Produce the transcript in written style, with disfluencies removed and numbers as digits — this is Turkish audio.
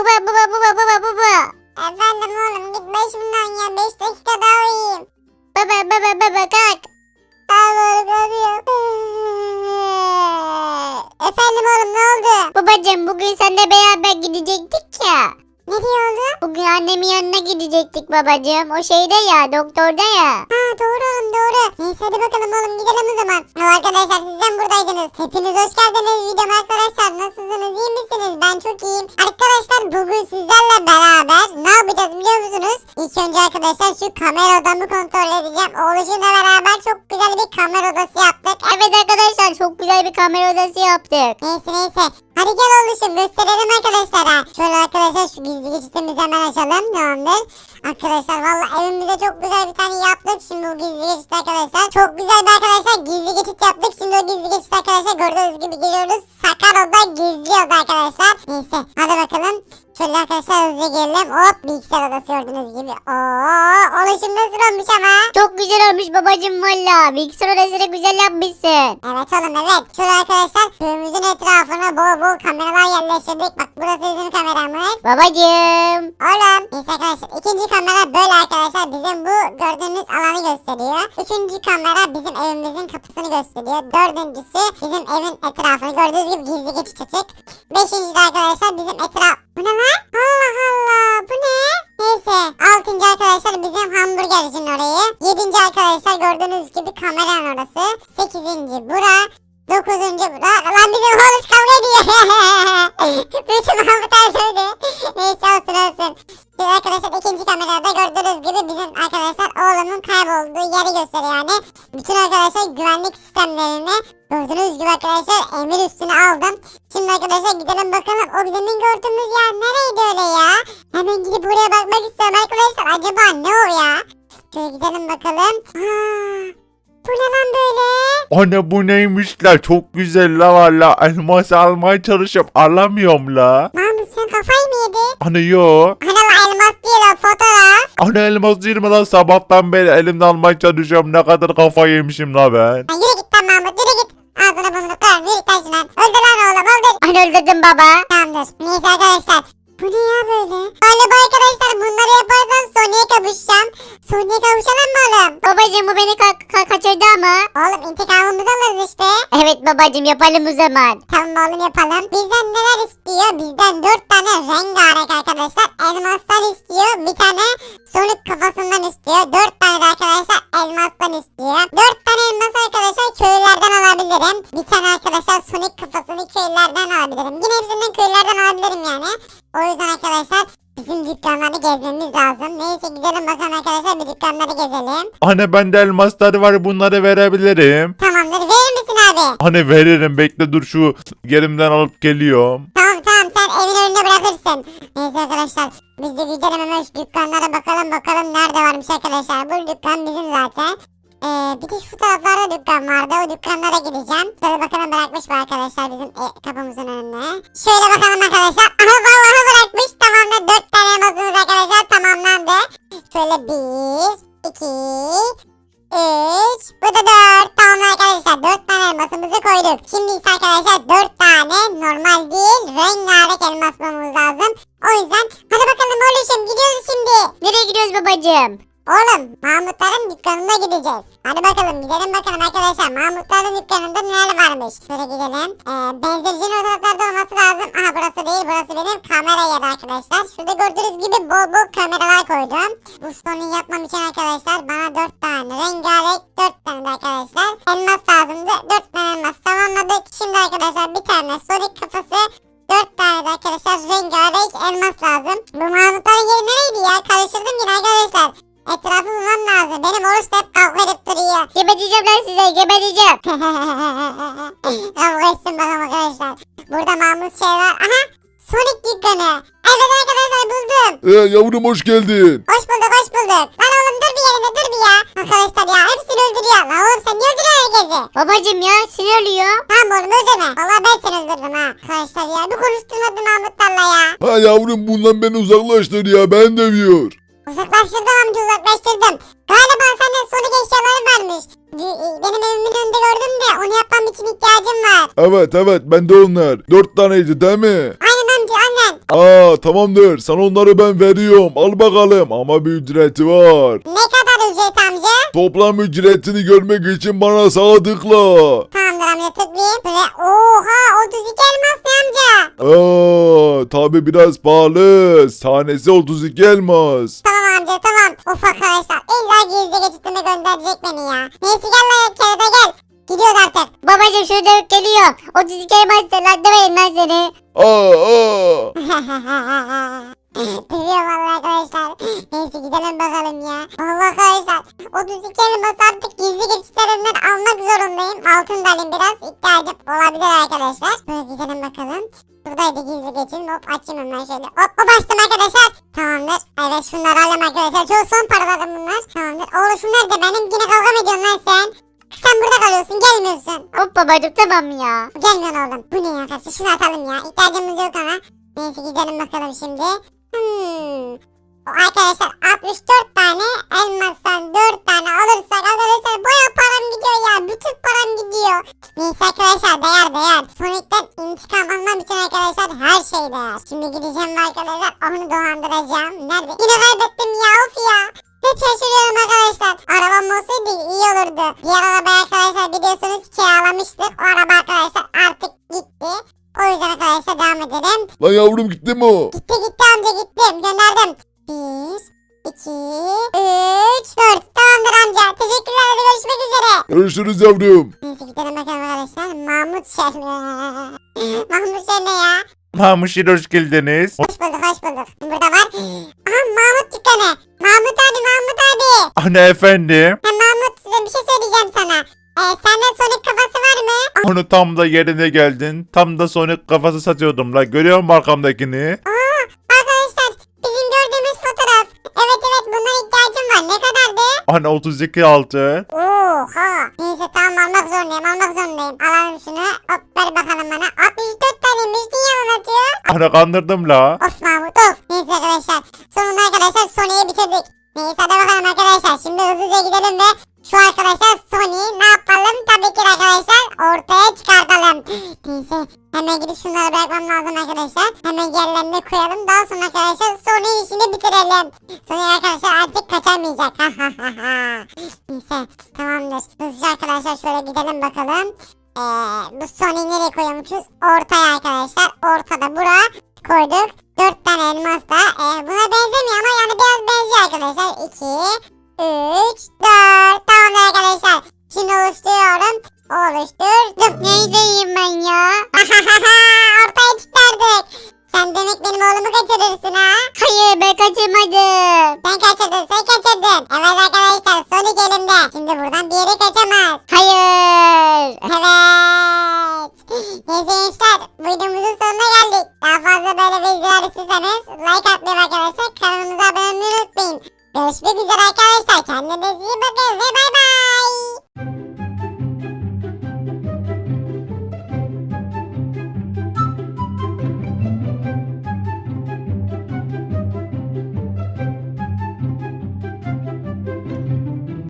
Baba. Efendim oğlum git başımdan ya 5 dakika daha uyuyayım. Baba kalk. Ağır kalıyor. Efendim oğlum ne oldu? Babacım bugün seninle beraber gidecektik ya. Ne diyor oğlum? Bugün annemin yanına gidecektik babacım. O şeyde ya, doktorda ya. Ha doğru oğlum doğru. Neyse hadi bakalım oğlum gidelim o zaman. Arkadaşlar sizden buradaydınız. Hepiniz hoş geldiniz videoma arkadaşlar. Nasılsınız iyi misiniz? Ben çok iyiyim. Arkadaşlar bugün sizlerle beraber ne yapacağız biliyor musunuz? İlk önce arkadaşlar şu kamera odamı kontrol edeceğim. Oğluşumla beraber çok güzel bir kamera odası yaptık. Evet arkadaşlar, çok güzel bir kamera odası yaptık. Neyse. Hadi gel oğluşum gösterelim arkadaşlara. Şöyle arkadaşlar şu gizli geçitimizi hemen açalım. Tamamdır. Arkadaşlar valla evimize çok güzel bir tane yaptık. Şimdi bu gizli geçit arkadaşlar. Çok güzel bir arkadaşlar gizli geçit yaptık. Şimdi o gizli geçit arkadaşlar gördüğünüz gibi giriyoruz. Sakar oda gizli oda arkadaşlar. Neyse hadi bakalım. Şöyle arkadaşlar hızlıca gelelim. Hop bilgisayar odası gördüğünüz gibi. Oo oluşum nasıl olmuş ama. Çok güzel olmuş babacım valla. Bilgisayar odasını güzel yapmışsın. Evet oğlum evet. Şöyle arkadaşlar köyümüzün etrafına bol kameralar yerleştirdik. Bak burası bizim kameramız. Babacım. Oğlum. Neyse arkadaşlar ikinci kamera böyle arkadaşlar bizim bu gördüğünüz alanı gösteriyor. Üçüncü kamera bizim evimizin kapısını gösteriyor. Dördüncüsü bizim evin etrafını gördüğünüz gibi gizli geçit açık. Beşinci de arkadaşlar bizim etraf... Bu ne lan? Allah Allah bu ne? Neyse. Altıncı arkadaşlar bizim hamburgercinin orayı. Yedinci arkadaşlar gördüğünüz gibi kameranın orası. Sekizinci bura. Dokuzuncu bura. Lan bizim oğlum kavga ediyor. Bütün Mahmut söyledi. Neyse olsun. Şimdi arkadaşlar ikinci kamerada gördüğünüz gibi bizim arkadaşlar oğlumun kaybolduğu yeri gösteriyor yani. Bütün arkadaşlar güvenlik sistemlerini gördüğünüz gibi arkadaşlar emir üstüne aldım. Şimdi arkadaşlar gidelim bakalım o demin gördüğümüz yer nereydi öyle ya? Hemen gidip buraya bakmak istiyorum arkadaşlar. Acaba ne o ya? Şöyle gidelim bakalım. Bu ne lan böyle? Anne bu neymiş la, çok güzel la valla, elmas almaya çalışıp alamıyorum la. Mahmut sen kafayı mı yedin? Anne yo. Hani la elmas değil o fotoğraf. Anne elmas değil mi lan, sabahtan beri elimde almaya çalışıyorum, ne kadar kafa yemişim la ben. Ha, yürü git lan Mahmut yürü git. Ağzına burnunu kırarım yürü git lan şuna. Öldür lan oğlum öldür. Hani öldürdün baba. Tamamdır. Neyse arkadaşlar. Bu ne ya böyle? Galiba arkadaşlar bunları yaparsan Sony'e kavuşacağım. Sony'e kavuşalım mı oğlum? Babacım bu beni kaçırdı ama. Oğlum intikamımızı alırız işte. Evet babacım, yapalım o zaman. Tamam oğlum yapalım. Bizden neler istiyor? Bizden 4 tane rengarenk arkadaşlar elmaslar istiyor. Bir tane Sonic kafasından istiyor. 4 tane de arkadaşlar elmastan istiyor. 4 tane elmas arkadaşlar köylerden alabilirim. Bir tane arkadaşlar Sonic kafasını köylerden alabilirim. Yine hepsinden köylerden alabilirim yani. O yüzden arkadaşlar bizim dükkanları gezmemiz lazım. Neyse gidelim bakalım arkadaşlar bir dükkanları gezelim. Anne bende elmasları var, bunları verebilirim. Tamamdır verir misin abi? Anne veririm, bekle dur, şu yerimden alıp geliyorum. Tamam sen evin önünde bırakırsın. Neyse arkadaşlar biz de gidelim hemen şu dükkanlara bakalım nerede varmış arkadaşlar. Bu dükkan bizim zaten. Bir de şu taraflarda dükkan vardı. O dükkanlara gideceğim. Şöyle bakalım bırakmış mı arkadaşlar bizim kapımızın önüne. Şöyle bakalım arkadaşlar. Aha vallahi bırakmış. Tamamdır. 4 tane elmasımız arkadaşlar tamamlandı. Şöyle 1, 2, 3. Bu da 4. Tamam arkadaşlar. 4 tane elmasımızı koyduk. Şimdi ise arkadaşlar 4 tane normal değil rengarenk elmas bulmamız lazım. O yüzden hadi bakalım oğlum gidiyoruz şimdi. Nereye gidiyoruz babacım? Oğlum Mahmutların dükkanına gideceğiz. Hadi bakalım gidelim bakalım arkadaşlar. Mahmutların dükkanında neler varmış. Şöyle gidelim. Benzincinin ortalıklarda olması lazım. Aha burası değil, burası benim kamera yeri arkadaşlar. Şurada gördüğünüz gibi bol kameralar koydum. Bu sonu yapmam için arkadaşlar bana 4 tane rengarenk 4 tane de arkadaşlar elmas lazımdı. 4 tane elmas tamamladık. Şimdi arkadaşlar bir tane Sonic kafası, 4 tane de arkadaşlar rengarenk elmas lazım. Bu Mahmutların yeri nereydi ya? Karıştırdım yine arkadaşlar. Etrafı bulmam lazım. Benim oruç da hep kavga edip duruyor. Geberteceğim lan size, geberteceğim. Kavga etsin bakalım arkadaşlar. Burada Mahmut şey var. Aha! Sonic dükkanı. Evet arkadaşlar buldum. Yavrum hoş geldin. Hoş bulduk. Lan oğlum dur bir yerinde dur bir ya. Arkadaşlar ya hepsini öldürüyor. Lan oğlum sen niye öldürüyorsun herkesi? Babacım ya, sinirliyor. Tamam oğlum öldürme. Valla ben seni öldürdüm ha. Arkadaşlar ya bir konuşturmadı Mahmutlarla ya. Ha yavrum, bundan beni uzaklaştır ya, ben demiyor. Uzaklaştırdım amca uzaklaştırdım. Galiba sende Sonic eşyaları varmış. Benim evimin önünde gördüm de onu yapmam için ihtiyacım var. Evet bende onlar. 4 taneydi değil mi? Aynen amca aynen. Tamamdır. Sana onları ben veriyorum. Al bakalım. Ama bir ücreti var. Ne kadar ücret amca? Toplam ücretini görmek için bana sağ tıkla. Tamamdır amca tıklayayım. Böyle oha 32 elmas ne amca? Tabi biraz pahalı. Tanesi 32 elmas. Tamam amca tamam. Of arkadaşlar illa gizli geçitime gönderecek beni ya. Neyse gel lan kerata gel. Gidiyoruz artık. Babacım şurada geliyor. 32 elmas lan demeyin lan seni. Dövüyor vallahi arkadaşlar. Neyse gidelim bakalım ya. Vallahi arkadaşlar 32 elmas artık gizli geçitlerinden almak zorundayım. Altın da alayım biraz. İhtiyacım olabilir arkadaşlar. Böyle gidelim bakalım. Buradaydı gizli geçin. Hop açayım hemen şöyle. Hop açtım arkadaşlar. Tamamdır. Evet şunları alayım arkadaşlar. Çok son paralarım bunlar. Tamamdır. Oğlum şunlar da benim. Yine kavga mı ediyorsun lan sen? Sen burada kalıyorsun gelmiyorsun. Hop babacım tamam ya. Gelmiyorsun oğlum. Bu ne ya kardeşim? Şunu atalım ya. İhtiyacımız yok ama. Neyse gidelim bakalım şimdi. O arkadaşlar 64 tane elmastan 4 tane alırsak arkadaşlar baya param gidiyor ya. Bütün param gidiyor. Neyse arkadaşlar değer. Sonic'ten intikam almam için arkadaşlar her şey değer. Şimdi gideceğim ve arkadaşlar onu dolandıracağım. Nerede? Yine kaybettim ya of ya. Hep şaşırıyorum arkadaşlar. Arabam olsaydı iyi olurdu. Diğer arabayı arkadaşlar biliyorsunuz kiralamıştık. O araba arkadaşlar artık gitti. O yüzden arkadaşlar devam edelim. Lan yavrum gitti mi o? Gitti amca gittim. Gönderdim. 1, 2, 3, 4. Tamamdır amca. Teşekkürler hadi görüşmek üzere. Görüşürüz yavrum. Neyse gidelim bakalım arkadaşlar. Mahmut Şer. Mahmut Şer ne ya? Mahmuşir hoş geldiniz. Hoş bulduk. Burada var. Aha Mahmut dükkanı. Mahmut abi. Anne efendim. Mahmut size bir şey söyleyeceğim sana. Sende Sonic kafası var mı? Onu tam da yerine geldin. Tam da Sonic kafası satıyordum la. Görüyor musun arkamdakini? Arkadaşlar bizim gördüğümüz fotoğraf. Evet bundan ihtiyacım var. Ne kadardı? Anne 32 altı. Oha. Neyse tamam almak zorundayım. Alalım şunu. Hop ver bakalım bana. 64 taneymiş. Niye anlatıyor? Anne kandırdım la. Of Mahmut of. Neyse arkadaşlar. Sonunda arkadaşlar Sony'yi bitirdik. Neyse hadi bakalım arkadaşlar. Şimdi hızlıca gidelim ve şu arkadaşlar Sony'yi ne yapalım? Tabii ki arkadaşlar ortaya çıkartalım. Neyse hemen gidip şunları bırakmam lazım arkadaşlar. Hemen yerlerine koyalım. Daha sonra arkadaşlar Sony'nin işini bitirelim. Sony arkadaşlar artık kaçamayacak. Neyse tamamdır. Hızlıca arkadaşlar şöyle gidelim bakalım. Bu Sony'yi nereye koyuyormuşuz? Ortaya arkadaşlar. Ortada buraya koyduk. 4 tane elmas da. Buna benzemiyor ama yani biraz benziyor arkadaşlar. 2, 3, 4. Tamam arkadaşlar. Şimdi oluşturuyorum. Oluşturdum. Neydeyim ben ya? Ortaya çıkardık. Sen demek benim oğlumu kaçırırsın ha? Hayır ben kaçırmadım. Sen kaçırdın. Evet arkadaşlar Sonic elimde. Şimdi buradan bir yere kaçamaz. Hayır. Evet. Neyse gençler videomuzun sonuna geldik. Daha fazla böyle videolar istiyorsanız like atmayı arkadaşlar. Kanalımıza abone olmayı unutmayın. Görüşmek üzere arkadaşlar. Kendinize iyi bakın ve bay bay.